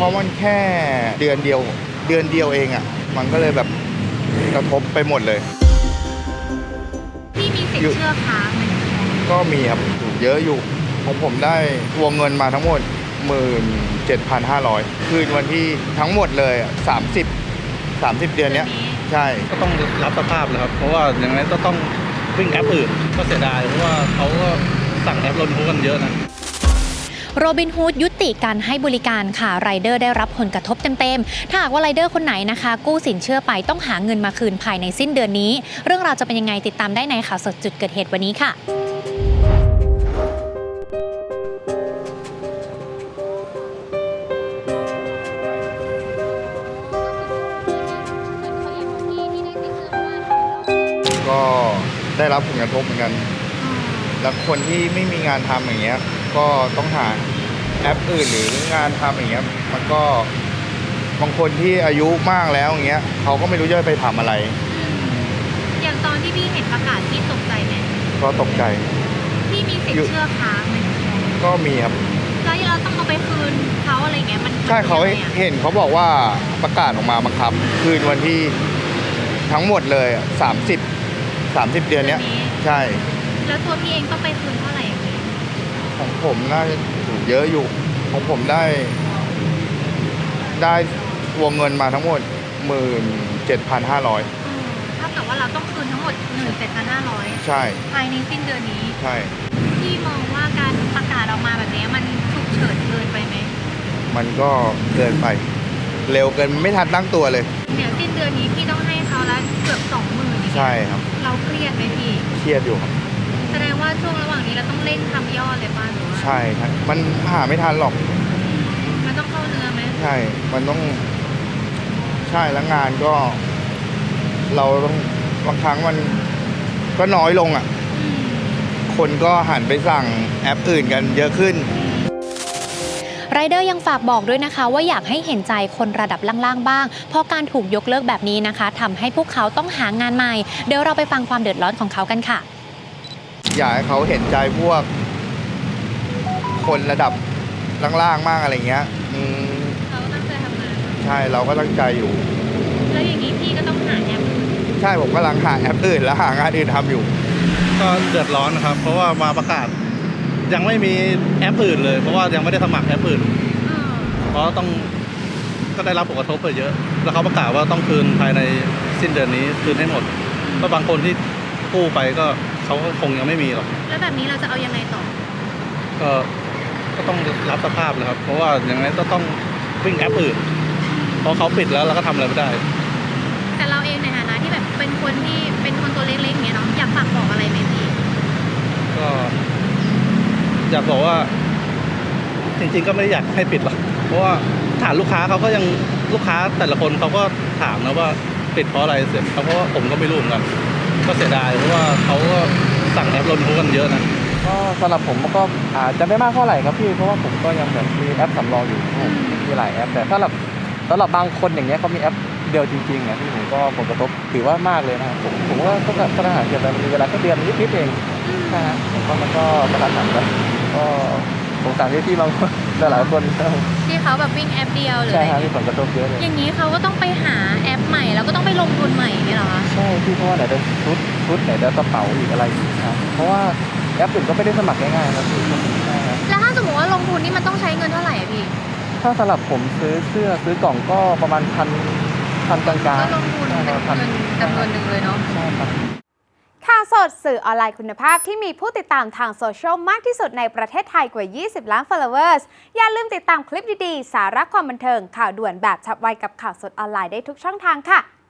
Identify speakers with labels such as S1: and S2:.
S1: ราะมันแค่เดือนเดียวเองอ่ะมันก็เลยแบบกระทบไปหมดเลย
S2: พี่มีสิทธิ์เชื่อค้างไหม
S1: ก็มีครับเยอะอยู่ของผมได้วงเงินมาทั้งหมด 17,500 คืนวันที่ทั้งหมดเลย30 เดือนเนี้ยใช่
S3: ก็ต้องรับสภาพเลยครับเพราะว่าอย่างนั้นก็ต้องวิ่งแอปอื่นก็เสียดายเพราะว่าเขาก็สั่งแอปโรบินฮูดกันเยอะนะ
S4: โรบินฮูดยุติการให้บริการค่ะไรเดอร์ได้รับผลกระทบเต็มๆถ้าหากว่าไรเดอร์คนไหนนะคะกู้สินเชื่อไปต้องหาเงินมาคืนภายในสิ้นเดือนนี้เรื่องราวจะเป็นยังไงติดตามได้ในข่าวสดจุดเกิดเหตุวันนี้ค่ะ
S1: ก็ได้รับผลกระทบเหมือนกันแล้วคนที่ไม่มีงานทำอย่างเงี้ยก็ต้องหาแอปอื่นหรืองานทำอย่างเงี้ยมันก็บางคนที่อายุมากแล้วอย่างเงี้ยเขาก็ไม่รู้จะไปทำอะไร
S2: อย่างตอนที่พี่เห็นประกาศพี่ตกใจไหม
S1: ก็ตกใจ
S2: พี่มีสิทธิ์เชื่อค้างไหม
S1: ก็มีครับ
S2: แล้วเราต้องเอาไปคืนเขาอะไรเงี้ยมัน
S1: ใช่เขาเห็นเขาบอกว่าประกาศออกมาบังคับคืนวันที่ทั้งหมดเลย30 เดือนเนี้ยใช่
S2: แล้วตัวพี่เองต้องไปคืนเท่าไหร่อย่างนี้
S1: ของผมน่าจะเยอะอยู่ของผมได้วงเงินมาทั้งหมด 17,500
S2: เท่ากับว่าเราต้องคืนทั้งหมด 17,500
S1: ใช่
S2: ภายในสิ้นเดือนนี้
S1: ใช่
S2: พี่มองว่าการประกาศออกมาแบบนี้มันฉุกเฉินเกินไปไหม
S1: มันก็เกินไปเร็วเกินไม่ทันตั้งตัวเลย
S2: เนี่ยสิ้นเดือนนี้พี่ต้องให้เขาแล้วเกือบ 20,000
S1: ใช่ครับ
S2: เราเครียดไหมพี่
S1: เครียดอยู่ครับ
S2: แสดงว่าช่วงระหว่างนี้เราต้องเร่งทำยอดเลยป่ะหรือว่า
S1: ใช่ครับมันหาไม่ทันหรอก
S2: มันต้องเข้าเนื้อไหม
S1: ใช่มันต้องใช่แล้วงานก็เราต้องบางครั้งมันก็น้อยลงอ่ะคนก็หันไปสั่งแอปอื่นกันเยอะขึ้น
S4: ไรเดอร์ยังฝากบอกด้วยนะคะว่าอยากให้เห็นใจคนระดับล่างๆบ้างเพราะการถูกยกเลิกแบบนี้นะคะทำให้พวกเขาต้องหางานใหม่เดี๋ยวเราไปฟังความเดือดร้อนของเขากันค่ะ
S1: อยากให้เขาเห็นใจพวกคนระดับล่างๆมากอะไรเงี้ย
S2: เขาตั้งใจทำงาน
S1: ใช่เราก็ตั้งใจอยู่
S2: แล้วอย่างนี้พี่ก็ต้องหาแอป
S1: ใช่ผมกำลังหาแอปอื่นและหางานอื่นทำอยู่
S3: ก็เดือดร้อนนะครับเพราะว่ามาประกาศยังไม่มีแอปอื่นเลยเพราะว่ายังไม่ได้สมัครแอปอื่นเพราะก็ได้รับผลกระทบไปเยอะแล้วเขาประกาศว่าต้องคืนภายในสิ้นเดือนนี้คืนให้หมดก็บางคนที่กู้ไปก็เขาคงยังไม่มีหรอก
S2: แล้วแบบนี้เราจะเอายังไงต่อ
S3: ก็ต้องรับสภาพเลยครับเพราะว่าอย่างนั้นก็ต้องวิ่งแอปอื่นเพราะเขาปิดแล้วเราก็ทำอะไรไม่ได้
S2: แต่เราเองในฐานะที่แบบเป็นคนตัวเล็กๆเงี้ยเนาะอยากฝากบอกอะไรไหมพี่
S3: ก็อยากบอกว่าจริงๆก็ไม่ได้อยากให้ปิดหรอกเพราะว่าฐานลูกค้าเขาก็ยังลูกค้าแต่ละคนเขาก็ถามนะว่าปิดเพราะอะไรเสร็จเพราะว่าผมก็ไม่รู้เหมือนกันก็เสียดายเพราะว่าเขาก็สั่งแอปโรบินฮูดกันเยอะนะ
S5: ก็สำหรับผมก็อาจจะไม่มากเท่าไหร่ครับพี่เพราะว่าผมก็ยังแบบมีแอปสำรองอยู่มีหลายแอปแต่สำหรับบางคนอย่างเงี้ยเขามีแอปเดียวจริงๆที่ผมก็ผลกระทบถือว่ามากเลยนะครับผมว่าก็ปัญหาเกี่ยวกับมีเวลาแค่เดือนนิดๆเองนะฮะมันก็กระทันหันแล้วก็สงสารที่บางคนหลายคน
S2: ที่เขาแบบวิ่งแอปเดียวเลย
S5: ใช่ครับมีผลกระทบเยอะเลย
S2: อย่างนี้เขาก็ต้องไปหาแอปใหม่แล้วก็ต้องไปลงทุนใหม่นี่หรอคะ
S5: ใช่พี่เพราะว่าไหนจะชุดไหนจะกระเป๋าอีกอะไรอีกครับเพราะว่าแอปอื่นก็ไม่ได้สมัครง่ายๆครับ
S2: แล้วถ้าสมมติว่าลงทุนนี่มันต้องใช้เงินเท่าไหร่พี่
S5: ถ้าสำหรับผมซื้อเสื้อซื้อกล่องก็ประมาณพันกลางๆ
S2: ก็ลงทุนเป็นเงินจำนวนหนึ่งเลยเนาะ
S5: ใช่ครับ
S6: ข่าวสดสื่อออนไลน์คุณภาพที่มีผู้ติดตามทางโซเชียลมากที่สุดในประเทศไทยกว่า 20 ล้าน followers อย่าลืมติดตามคลิปดีๆสาระความบันเทิงข่าวด่วนแบบฉับไวกับข่าวสดออนไลน์ได้ทุกช่องทางค่ะ